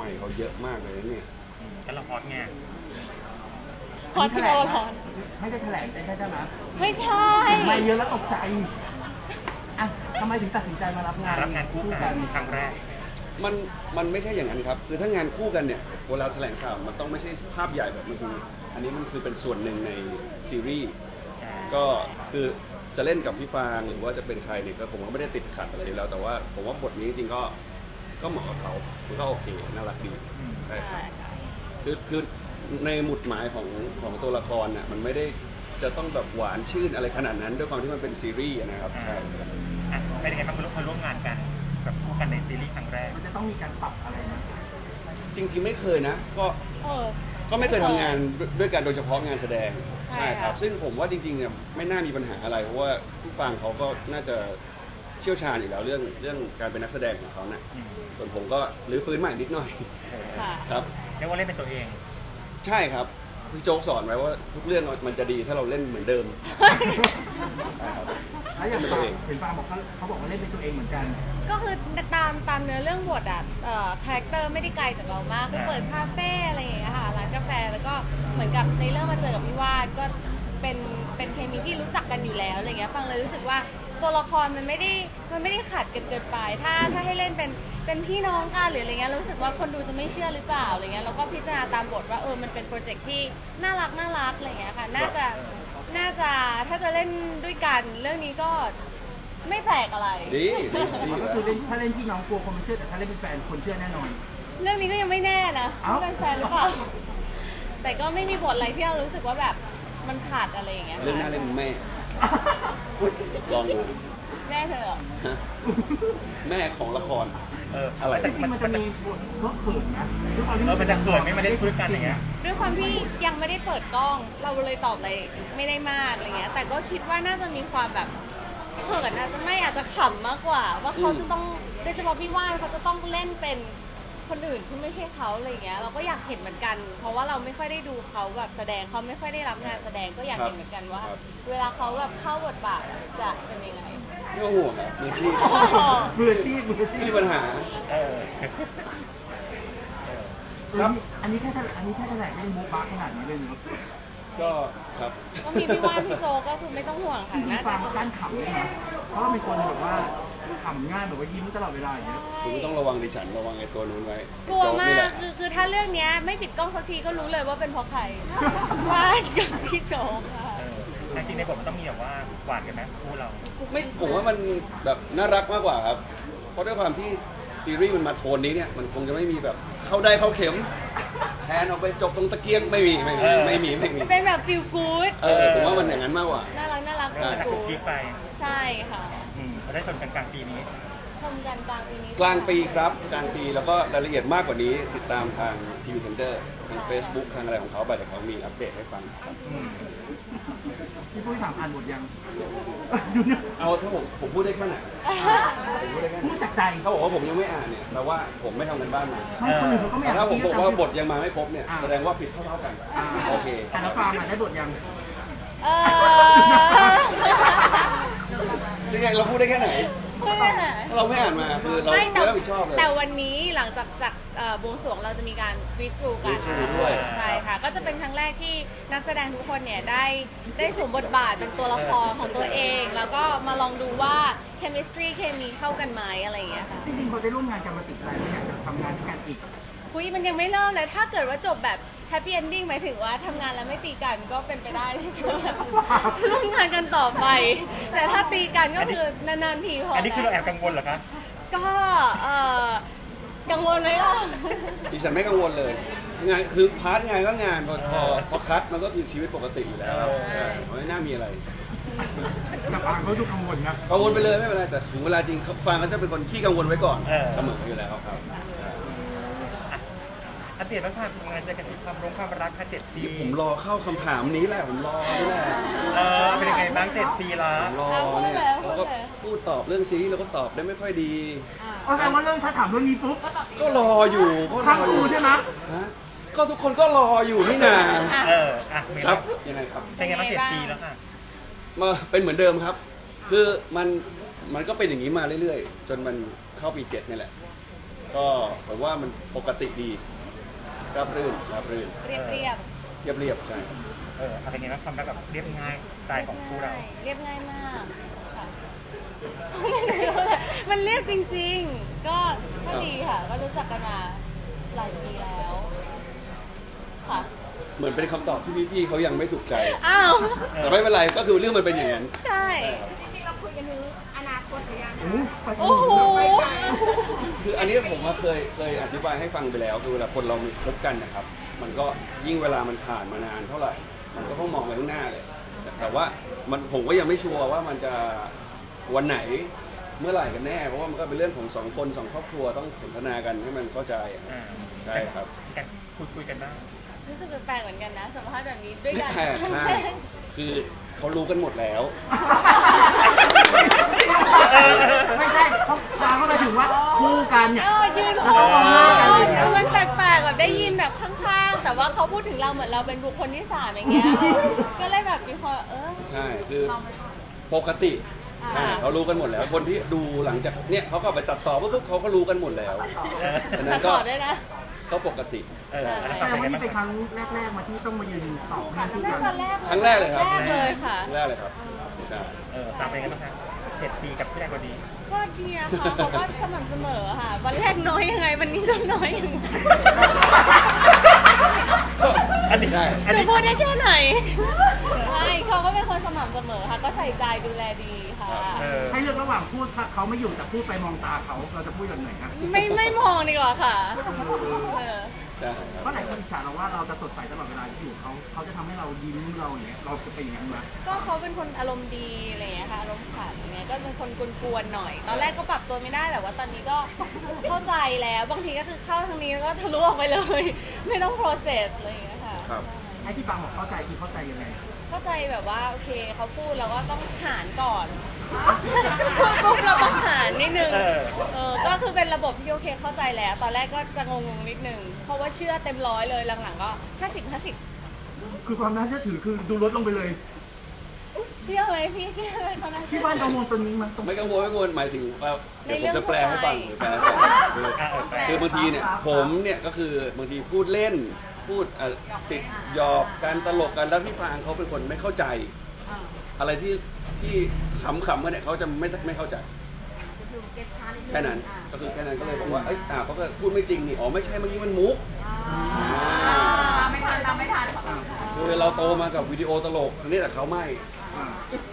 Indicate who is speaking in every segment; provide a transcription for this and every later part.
Speaker 1: ม่เขาเยอะมากเลยเนี่ย
Speaker 2: กันละครไง
Speaker 3: พอที่โอรอน
Speaker 4: ไม่ได้แถลงใช่ไหม
Speaker 3: ไม่ใช่
Speaker 4: ไม่เยอะแล้วตกใจอ่ะทำไมถึงตัดสินใจมารับงาน
Speaker 2: คู่กันครั้งแรก
Speaker 1: มันไม่ใช่อย่างนั้นครับคือถ้างานคู่กันเนี่ยเวลาแถลงข่าวมันต้องไม่ใช่ภาพใหญ่แบบมันคืออันนี้มันคือเป็นส่วนหนึ่งในซีรีส์ก็คือจะเล่นกับพี่ฟางหรือว่าจะเป็นใครเนี่ยก็ผมก็ไม่ได้ติดขัดอะไรอยู่แล้วแต่ว่าผมว่าบทนี้จริงๆก็เหมาะกับเขาคือก็โอเคน่ารักดีใช่ครับคือในหมุดหมายของตัวละครน่ะมันไม่ได้จะต้องแบบหวานชื่นอะไรขนาดนั้นด้วยความที่มันเป็นซีรีส์นะครับ
Speaker 2: เป็นยังไงบ้างมาร่วมงานกันกับคู่กันในซีรีส์ครั้งแรก
Speaker 4: มันจะต้องมีการปรับอะไรนะ
Speaker 1: จริงๆไม่เคยนะ
Speaker 3: เออ
Speaker 1: ก็ไม่เคยทำงานด้วยกันโดยเฉพาะงานแสดง
Speaker 3: ใช่ค่ะ
Speaker 1: ครับซึ่งผมว่าจริงๆเนี่ยไม่น่ามีปัญหาอะไรเพราะว่าผู้ฟังเขาก็น่าจะเชี่ยวชาญอยู่แล้วเรื่องการเป็นนักแสดงของเขาเนี่ยส่วนผมก็รื้อฟื้นใหม่นิดหน่อย
Speaker 3: ค่ะ
Speaker 1: ครับ
Speaker 2: เรียกว่าเล่นเป็นตัวเอง
Speaker 1: ใช่ครับพี่โจ๊กสอนไว้ว่าทุกเรื่องมันจะดีถ้าเราเล่นเหมือนเดิมใช่ครับ
Speaker 4: แล้วอย่างฟางเห็นฟางบอกเขาบอกว่าเล่นเป็นตัวเองเหมือนกัน
Speaker 3: ก็คือตามเนื้อเรื่องบทอ่ะคาแรคเตอร์ไม่ได้ไกลจากเรามากคือเปิดคาเฟ่อะไรอย่างเงี้ยค่ะร้านกาแฟแล้วก็เหมือนกับในเรื่องมาเจอกับพี่วาดก็เป็นเคมีที่รู้จักกันอยู่แล้วอะไรเงี้ยฟังเลยรู้สึกว่าตัวละครมันไม่ได้ขัดกันเกินไปถ้าให้เล่นเป็นพี่น้องกันหรืออะไรเงี้ยรู้สึกว่าคนดูจะไม่เชื่อหรือเปล่าอะไรเงี้ยแล้วก็พิจารณาตามบทว่ามันเป็นโปรเจกต์ที่น่ารักอะไรเงี้ยค่ะน่าจะถ้าจะเล่นด้วยกันเรื่องนี้ก็ไม่แปลกอะไร
Speaker 1: ดีดี
Speaker 4: ก็คือถ้าเล่นพี่น้องกลัวคนไม่เชื่อแต่ถ้าเล่นเป็นแฟนคนเชื่อแน่นอน
Speaker 3: เรื่องนี้ก็ยังไม่แน่นะ
Speaker 4: เอ้า
Speaker 3: ว่าเป็นแฟนหรือเปล่า แต่ก็ไม่มีบทอะไรที่เรารู้สึกว่าแบบมันขาดอะไรอย่างเงี้ย
Speaker 1: เรื่องหน้าเล่นแม่ลองดู
Speaker 3: แม่เธอเหรอ
Speaker 1: ฮะแม่ของละคร
Speaker 2: อะไร
Speaker 4: จริงๆมันจะมีบทเพราะเขินนะด้วยความที่
Speaker 2: มันจะเกิดไม่มาเล่นด้วยกันอย่างเงี้ย
Speaker 3: ด้วยความที่ยังไม่ได้เปิดกล้อง เราเลยตอบอะไรไม่ได้มากอะไรเงี้ย แต่ก็คิดว่าน่าจะมีความแบบเขินอาจจะขำมากกว่า ว่าเขาจะต้องโดยเฉพาะพี่ว่านเขาจะต้องเล่นเป็นคนอื่นที่ไม่ใช่เขาอะไรเงี้ยเราก็อยากเห็นเหมือนกัน เพราะว่าเราไม่ค่อยได้ดูเขาแบบแสดงเขาไม่ค่อยได้รับงานแสดงก็อยากเห็นเหมือนกันว่า เวลาเขาแบบเข้าบทบาทจะเป็นยังไง
Speaker 1: ไม่ต้องห่วงครับมืออาชีพ
Speaker 4: มืออาชีพ
Speaker 1: ไม่มีปัญหา ครับ
Speaker 4: อันนี้แค่แถลงไม่ได้โมบ้าขนาดนี้เลยเนาะ
Speaker 1: ก็ครับ
Speaker 3: ก็มีพี่ว่านพี่โจก็คือไม่ต้องห่วงค่ะ
Speaker 4: จริง
Speaker 3: น่า
Speaker 4: ๆฟา
Speaker 3: จะ
Speaker 4: งการขำเลยนะเพราะว่าเป็นคนแบบว่าขำง่ายแบบว่ายิ้มตลอดเวลาอย่างเงี้ย
Speaker 1: คุณไม่ต้องระวังดิฉันระวังไอ้ตัวนู้นไว้
Speaker 3: กลัว
Speaker 1: โจ๊
Speaker 3: มา
Speaker 1: นี่แห
Speaker 3: ก
Speaker 1: ละ
Speaker 3: คือถ้าเรื่องเนี้ยไม่ปิดกล้องสักทีก็รู้เลยว่าเป็นเพราะใคร ว่านกับพี่โจกค่ะ
Speaker 2: จริงในบทมันต้องมีแบบว่าหวานกันไหมคู่เรา
Speaker 1: ไม่ผมว่ามันแบบน่ารักมากกว่าครับ เพราะด้วยความที่ซีรีส์มันมาโทนนี้เนี่ยมันคงจะไม่มีแบบเข้าได้เข้าเข็มแทนออกไปจบตรงตะเกียงไม่มี
Speaker 3: เป็นแบบฟิลกู๊ด
Speaker 1: ผมว่ามันอย่างนั้นมากกว่า
Speaker 3: น่ารัก
Speaker 2: ก็
Speaker 3: ฟิล
Speaker 2: จะ
Speaker 3: กู
Speaker 2: กุ๊ก
Speaker 3: ๊
Speaker 2: กิ๊
Speaker 3: ด
Speaker 2: กไป
Speaker 3: ใช่ค่ะ
Speaker 2: เราได้ชมกันกลางปีนี้
Speaker 3: ชมกันกลางปีนี้
Speaker 1: กลางปีครับกลางปีแล้วก็รายละเอียดมากกว่านี้ ติดตามทางทีวีเทนเดอร์ทาง Facebook ทางอะไรของเขาไปเดี๋ยวเขามีอัปเดตให้ฟังครับ
Speaker 4: พี่ปุ้ยถามอ่านบทยังดูเนี่ย
Speaker 1: เอาถ้าผมพูดได้แค่ไหนผมพูดได้แค่ไหน
Speaker 4: พูดจากใจ
Speaker 1: เขาบอกว่าผมยังไม่อ่านเนี่ยแปลว่าผมไม่ทำกันบ้านมา
Speaker 4: ไม่คนอื่นเขาก็ไม่
Speaker 1: แต่
Speaker 4: อยาก
Speaker 1: ถ้าผมบอกว่าบท
Speaker 4: พี่
Speaker 1: ยังมาไม่ครบเนี่ยแสดงว่าผิดเท่าๆกัน โอเค
Speaker 4: แต่ละฟางอ่ะได้บทยัง
Speaker 3: เออ
Speaker 1: ยังไงเราพูดได้แค่ไหน
Speaker 3: ไม่ได้ไหน
Speaker 1: ถ้าเราไม่อ่านมาคือเรา
Speaker 3: ไม่
Speaker 1: ไม่รับผิดชอบเลย
Speaker 3: แต่วันนี้หลังจากบวงสรวงเราจะมีการรีทรูกัน
Speaker 1: read through ด้วย
Speaker 3: ใช่ค่ะ ก็จะเป็นครั้งแรกที่นักแสดงทุกคนเนี่ยได้สวมบทบาทเป็นตัวละครของตัวเอง แล้วก็มาลองดูว่า chemistry เคมีเข้ากันไหมอะไรอย่างเงี้ยค่ะ
Speaker 4: จริงๆพอได้ร่วมงานกันมาติดใจไม่อยากจะทำงานด้วยกันอีก
Speaker 3: คุยมันยังไม่เริ่มเลยถ้าเกิดว่าจบแบบ happy ending หมายถึงว่าทำงานแล้วไม่ตีกันก็เป็นไปได้ที่จะแบบร่วมงานกันต่อไป แต่ถ้าตีกันก็คือนานๆทีพอ
Speaker 2: อั
Speaker 3: อั
Speaker 2: นนี้คือเราแอบกังวลเหรอคะ
Speaker 3: ก็กังวลไหมล่ะ
Speaker 1: ดิฉันไม่กังวลเลยงานคือพาร์ทงานก็งานพอคัดมันก็คือชีวิตปกติอยู่แล้วครับไม่น่ามีอะไร
Speaker 4: แต่ฟางเขาดูกังวลนะ
Speaker 1: กังวลไปเลยไม่เป็นไรแต่ถึงเวลาจริงฟังก็จะเป็นคนขี้กังวลไว้ก่อนเสมออยู่แล้วครับ
Speaker 2: อัปเดตบ้างค่ะงานเจอกันที่ความรักค่ะ7 ปี
Speaker 1: ผมรอเข้าคำถามนี้แหละผมรอนี่แหละ
Speaker 2: เป็นยังไงบ้าง7 ปีละ
Speaker 1: ผมรอเนี่ยเราก็พูดตอบเรื่องซีรีส์เราก็ตอบได้ไม่ค่อยดี
Speaker 4: อ๋อแสดงว่าเรื่องถ้าถามเรื่องนี้ปุ๊บ
Speaker 1: ก็รออยู่ก็ร
Speaker 4: ทั้ง
Speaker 1: ออ
Speaker 4: คู่
Speaker 1: ยู่
Speaker 4: ใช่ไหม
Speaker 1: ฮะก็ทุกคนก็รออยู่นี่นา
Speaker 2: ครับ
Speaker 1: ยังไงครับ
Speaker 2: เป็นไงบ้าง7 ปีแล้วค่ะ
Speaker 1: มาเป็นเหมือนเดิมครับ คือมันก็เป็นอย่างนี้มาเรื่อยๆ จนมันเข้าปี7นี่แหละก็ผมว่ามันปกติดีราบรื่น
Speaker 3: เรียบเรียบ
Speaker 1: เรียบใช่
Speaker 2: อะไรเงี้ยความรักแบบเรียบง่ายสไตล์ของคู่เรา
Speaker 3: เรียบง่ายมากค่ะไม่รู้เลยมันเรียบจริงๆ ก็ดีค่ะ ก็รู้จักกันมาหลายปีแล้วค่ะ
Speaker 1: เหมือนเป็นคำตอบที่พี่ๆเขายังไม่ถูกใจ
Speaker 3: อ้าว
Speaker 1: แต่ไม่เป็นไรก็คือเรื่องมันเป็นอย่างนั้น
Speaker 3: ใช่
Speaker 5: จริงๆเราคุยกันถึงอนาคตหรือยัง
Speaker 3: โอ้โห
Speaker 1: คืออันนี้ผมว่าเคยอธิบายให้ฟังไปแล้วคือเวลาคนเรามีคบกันนะครับ มันก็ยิ่งเวลามันผ่านมานานเท่าไหร่ มันก็ต้องมองไปข้างหน้าเลย แต่ว่าผมก็ยังไม่ชัวร์ว่ามันจะวันไหนเมื่อไหร่กันแน่ เพราะว่ามันก็เป็นเรื่องของสองคนสองครอบครัวต้องสนทนากันให้มันเข้าใจอะใช่ครับ
Speaker 2: กันคุยกันบ้าง
Speaker 3: รู้สึกแปลกๆเหมือนกันนะสัมภาษณ์แบบนี้ด้วย
Speaker 1: ไม่
Speaker 3: กัน
Speaker 1: แปลกใช่คือเขารู้กันหมดแล้ว
Speaker 4: ไม่ใช่เขาพาเข้าไปถึงว่าคู่กันเนี่ย
Speaker 3: ยืนคู่มันแปลกๆแบบได้ยินแบบข้างๆ แต่ว่าเขาพูดถึงเราเหมือนเราเป็นบุคคลที่สามอย่างเงี้ย ก็เลยแบบมีความ
Speaker 1: ใช่ คือปกติเขารู้กันหมดแล้ว คนที่ดูหลังจากเนี่ยเขาก็ไปตัดต่อปุ๊บเขาก็รู้กันหมมดแล้วอันนั้
Speaker 3: ตัด
Speaker 1: นก็
Speaker 3: ต่อด้วยนะ
Speaker 1: ก็ปกติ
Speaker 4: แต่ว่านี่เป็นครั้งแรกๆมาที่ต้องมายืนสองให้คู่
Speaker 3: น่า
Speaker 4: กั
Speaker 3: จะ
Speaker 4: น
Speaker 3: แรก
Speaker 1: ครั้งแรกเลยครับ
Speaker 3: แรกเลยค่ะ
Speaker 1: แรกเลยครับใช่
Speaker 2: ตามไปกันบ้างคะ7 ปีกับพี่แรกคนนี้
Speaker 3: ก็ดีนะคะเขาก็สม่ำเสมอค่ะ วันแรกน้อยยังไง วันนี้ก็น้อยยังไง
Speaker 2: อันนี้
Speaker 1: ใช่
Speaker 2: อัน
Speaker 3: หนู
Speaker 2: นี้
Speaker 3: พูดได้แค่ไหนไม่เขาก็เป็นคนสม่ำเสมอค่ะ ก็ใส่ใจดูแลดีค่ะ
Speaker 4: ให้เลือกระหว่างพูดถ้าเขาไม่อยู่แต่พูดไปมองตาเขาเราจะพูดแบบไหนครับ
Speaker 3: ไม่มองดีกว่าค่ะเออ
Speaker 1: ใช่ครับ
Speaker 4: เพราะหลายคนอิจฉาเราว่าเราจะสดใสตลอดเวลาที่อยู่เขาจะทำให้เรายิ้มเราอย่างเงี้ยเราจะเป็นอย่างนั้นไหม
Speaker 3: ก็เขาเป็นคนอารมณ์ดีอะไรอย่างเงี้ยค่ะ อารมณ์ขันอย่างเงี้ย ก็เป็นคนกวนๆหน่อย ตอนแรกก็ปรับตัวไม่ได้ แต่ว่าตอนนี้ก็เข้าใจแล้ว บางทีก็คือเข้าทางนี้แล้วก็ทะลุออกไปเลย ไม่ต้อง process อะไรอย่างเงี้ยค่ะ
Speaker 1: ครับ
Speaker 4: ไอ้ที่ฟังบอกเข้าใจคือเข้าใจยังไง
Speaker 3: เข้าใจแบบว่าโอเคเขาพูดเราก็ต้องหารก่อนพูดปุ๊บเราต้องหารนิดนึงก็คือเป็นระบบที่โอเคเข้าใจแล้ว ตอนแรกก็จะงงๆนิดนึง เพราะว่าเชื่อเต็มร้อยเลยหลังๆก็50-50
Speaker 4: คือความน่าเชื่อถือคือดูลดลงไปเลย
Speaker 3: เชื่อไหมพี่เชื่อไหมเขานะ
Speaker 4: ที่บ้านกังวลตัวนี้มันตรง
Speaker 1: ไม่กังวลหมายถึงว่าเดี๋ยวผมจะแปลให้ฟังหรือแปลให้ฟังคือบางทีเนี่ยผมเนี่ยก็คือบางทีพูดเล่นพูดติดหยอกการตลกกันแล้วพี่ฟางเขาเป็นคนไม่เข้าใจ อะไรที่ขำๆกันเนี่ยเขาจะไม่เข้าใจแค่นั้นก็คือแค่นั้นก็เลยบอกว่าเขาก็พูดไม่จริงนี่อ๋อไม่ใช่เมื่อกี้มันมุก
Speaker 5: ตามไม่ทัน
Speaker 1: คือเราโตมากับวิดีโอตลกอันนี้แต่เขาไม่
Speaker 4: อ่า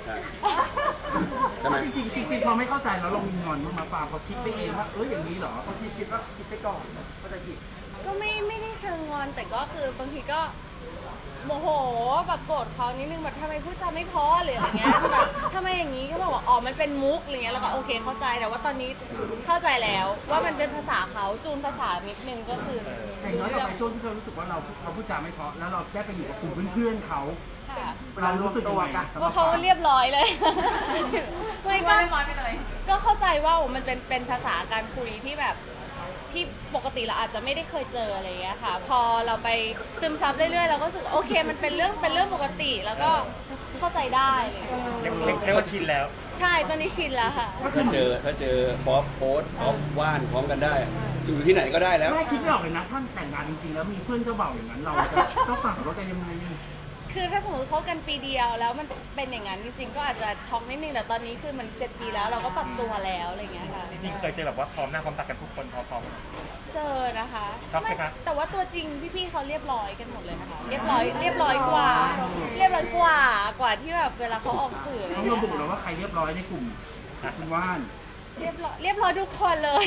Speaker 1: ใช่ไหม
Speaker 4: จริงๆพอไม่เข้าใจแล้วเรามีงอนมาปาเขาคิดไปเองว่าอย่างนี้เหรอเขาคิดว่าคิดไปก่อนเข้าใจผิด
Speaker 3: ก็ไม่ได้เชิงงอนแต่ก็คือบางทีก็โมโหแบบโกรธเขานิดนึงแบบทำไมพูดจาไม่เพอหรืออะไรเงี้ยแบบทำไมอย่างนี้ก็บอกว่าอ๋อมันเป็นมุกอะไรเงี้ยแล้วก็โอเคเข้าใจแต่ว่าตอนนี้เข้าใจแล้วว่ามันเป็นภาษาเขาจูนภาษานิดนึงก็คือ
Speaker 4: แต่ย้อนกลับไปช่วงที่เรารู้สึกว่าเราพูดจาไม่เพราะแล้วเราได้ไปอยู่กับกลุ่มเพื่อนๆเขา
Speaker 3: ค่ะ
Speaker 4: เรารู้สึกยังไง
Speaker 3: ว่าเขาเรียบร้อยเลยไม่
Speaker 5: เรียบร้อยไปเลย
Speaker 3: ก็เข้าใจว่ามันเป็นภาษาการคุยที่แบบที่ปกติเราอาจจะไม่ได้เคยเจออะไรอย่างเงี้ยค่ะ พอเราไปซึมซับเรื่อยๆเราก็รู้สึกโอเคมันเป็นเรื่องปกติแล้วก็เข้าใจได้เลย
Speaker 2: เรียกว่าชินแล้ว
Speaker 3: ใช่ตอนนี้ชินแล้วค่ะ
Speaker 1: ถ้าเจอป๊อปโพสป๊อปว่านพร้อมกันได้อยู่ที่ไหนก็ได้แล้ว
Speaker 4: แม่คิดไม่ออกเลยนะท่านแต่งงานจริงๆแล้วมีเพื่อนเจ้าบ่าวอย่างนั้นเราจะต้องฝั่งเราจะยังไง
Speaker 3: คือถ้าสมมติเขากันปีเดียวแล้วมันเป็นอย่างนั้นจริงๆก็อาจจะช็อกนิดนึงแต่ตอนนี้คือมัน7 ปีแล้วเราก็ปรับตัวแล้วอะไรอย่างเงี้ยค่ะ
Speaker 2: จริงๆเคยเจอแบบว่าพร้อมหน้าพร้อมตากันทุกคนพร้อม
Speaker 3: เจอนะคะ
Speaker 2: ช็อกไหมคะ
Speaker 3: แต่ว่าตัวจริงพี่ๆเขาเรียบร้อยกันหมดเลยนะคะเรียบร้อยกว่าที่แบบเวลาเขาออกสื่ออะไร
Speaker 4: ต้อง
Speaker 3: เงี้
Speaker 4: ระบุ
Speaker 3: ย
Speaker 4: แล้วว่าใครเรียบร้อยในกลุ่มคุณว่าน
Speaker 3: เรียบร้อยทุกคนเลย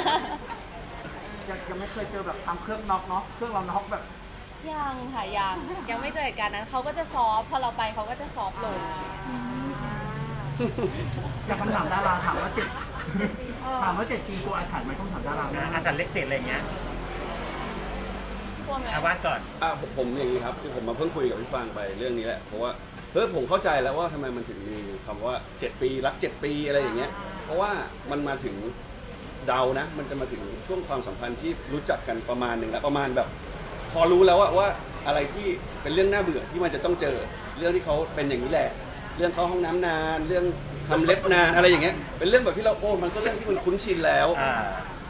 Speaker 4: ยังไม่เคยเจอแบบทำเครื่องน็อกเนาะเครื่องเราน็อกแบบ
Speaker 3: ยังค่ะยังไม่เจอเหตุการณ์นั้นเขาก็จะซอฟต์พอเราไปเขาก็จะซอฟต์ลง
Speaker 4: อยากคำถามดาราถามว่า7 ปีกลัวอาถรรพ์ไหมต้องถามดารา
Speaker 2: ๆอาจารย์เล็กเศษอะไรอย่างเงี้ย
Speaker 3: กลัวไหม
Speaker 2: อาว่านก่อน
Speaker 1: ผมอย่างนี้ครับคือผมมาเพิ่งคุยกับพี่ฟางไปเรื่องนี้แหละเพราะว่าผมเข้าใจแล้วว่าทำไมมันถึงมีคำว่า7 ปีรัก7 ปีอะไรอย่างเงี้ยเพราะว่ามันมาถึงเดานะมันจะมาถึงช่วงความสัมพันธ์ที่รู้จักกันประมาณหนึ่งแล้วประมาณแบบพอรู้แล้วว่าอะไรที่เป็นเรื่องน่าเบื่อที่มันจะต้องเจอเรื่องที่เขาเป็นอย่างนี้แหละเรื่องเข้าห้องน้ำนานเรื่องทำเล็บนานอะไรอย่างเงี้ยเป็นเรื่องแบบที่เรามันก็เรื่องที่มันคุ้นชินแล้ว จุด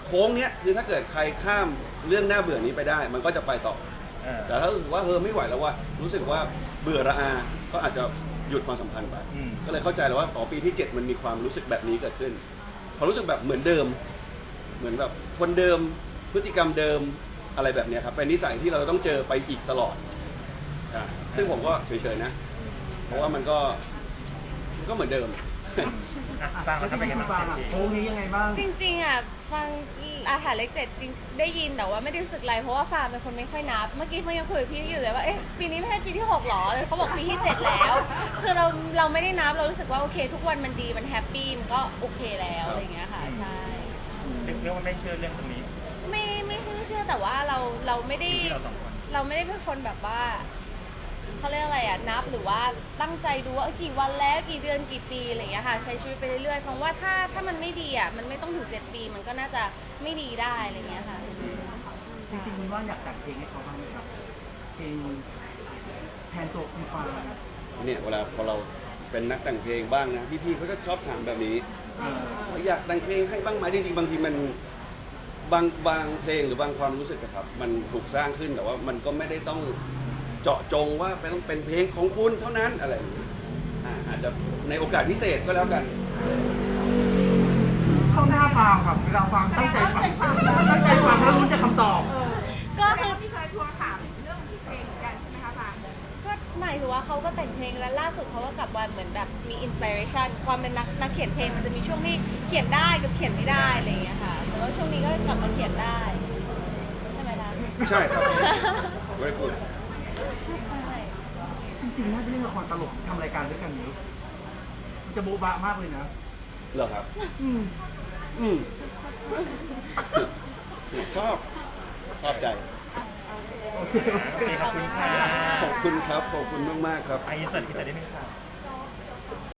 Speaker 1: โค้งเนี้ยคือถ้าเกิดใครข้ามเรื่องน่าเบื่อนี้ไปได้ มันก็จะไปต่อ แต่ถ้ารู้สึกว่าไม่ไหวแล้วว่ารู้สึกว่าเบื่อระอา ก็อาจจะหยุดความสัมพันธ์ไป ก็เลยเข้าใจแล้วว่าปีที่ 7 มันมีความรู้สึกแบบนี้เกิดขึ้นพอรู้สึกแบบเหมือนเดิม เหมือนแบบคนเดิมพฤติกรรมเดิมอะไรแบบเนี้ยครับเป็นนิสัยที่เราต้องเจอไปอีกตลอดซึ่งผมก็เฉยๆนะ เพราะว่ามันก็เหมือนเดิม
Speaker 2: ฟัง
Speaker 4: แล้
Speaker 2: แล้ว ว
Speaker 4: ที่
Speaker 2: ทำไม
Speaker 4: คุ
Speaker 2: กัน
Speaker 4: ณ
Speaker 2: บ้า
Speaker 4: ฟาง
Speaker 2: ง
Speaker 4: โค้งนี้ยังไงบ้าง
Speaker 3: จริงๆอ่ะฟังอาหารเลข7จริงได้ยินแต่ว่าไม่ได้รู้สึกอะไรเพราะว่าฟางเป็นคนไม่ค่อยนับเมื่อกี้มันยังคุยกับพี่อยู่เลยว่าเอ๊ะปีนี้ไม่ใช่ปีที่6หรอเลยเขาบอกปีที่7แล้วคือเราไม่ได้นับเรารู้สึกว่าโอเค ทุกวันมันดีมันแฮปปี้มันก็โอเคแล้วอะไรอย่างเงี้ยค่ะใช่
Speaker 2: เรียกว่าไม่เชื่อเรื่องตรงนี้
Speaker 3: ไม่ใช่ไม่เชื่อแต่ว่าเราไม่ได้
Speaker 2: ที่เราสองคน
Speaker 3: เราไม่ได้เป็นคนแบบว่าเขาเรียกอะไรอ่ะนับหรือว่าตั้งใจดูว่ากี่วันแล้วกี่เดือนกี่ปีอะไรอย่างเงี้ยค่ะใช้ชีวิตไปเรื่อยๆเพราะว่าถ้ามันไม่ดีอ่ะมันไม่ต้องถึง7 ปีมันก็น่าจะไม่ดีได้อะไรอย่างเงี้ยค่ะ
Speaker 4: จริงๆคุณว่าอยากแต่งเพลงให้เขาบ้างไหมครับเพลงแทนตัวคุณฟาง
Speaker 1: เนี่ยเวลาพอเราเป็นนักแต่งเพลงบ้างนะพี่ๆเขาก็ชอบถามแบบนี้อยากแต่งเพลงให้บ้างไหมจริงๆบางทีมันบางเพลงหรือบางความรู้สึกอะครับมันถูกสร้างขึ้นแต่ว่ามันก็ไม่ได้ต้องเจาะจงว่าต้องเป็นเพลงของคุณเท่านั้นอะไรอย่างเงี้ยอาจจะในโอกาสพิเศษก็แล้วกัน
Speaker 4: เข้าหน้าฟังครับเวลาฟังตั้งใจฟังแล้วรู้จะคำตอบ
Speaker 3: ก็คือ
Speaker 5: พี่เคยทวงถามเรื่องเพลงเหมือนกันใช่ไหมคะฟาง
Speaker 3: ก็หมายถึงว่าเขาก็แต่งเพลงแล้วล่าสุดเขาก็กลับมาเหมือนแบบมีอินสปิเรชันความเป็นนักเขียนเพลงมันจะมีช่วงที่เขียนได้กับเขียนไม่ได้อะไรอย่างเงี้ยค่ะแต่ว่าช่วงนี้ก็กลับมาเขียนได้ใช่ไหมล่ะ
Speaker 1: ใช่ครับ very good
Speaker 3: ใช่
Speaker 4: จริงๆน่าจะเล่นละครตลกทำรายการด้วยกันเยอะมันจะโบ๊ะบะมากเลยนะ
Speaker 1: เหรอครับ
Speaker 4: อืม
Speaker 1: อืมชอบใจ
Speaker 4: โอเค
Speaker 2: โอเคขอบคุณค่ะ
Speaker 1: ขอบคุณครับ ขอบคุณมาก ๆ ครับ
Speaker 2: ไอ้อินเสิร์ตได้ไหมคะ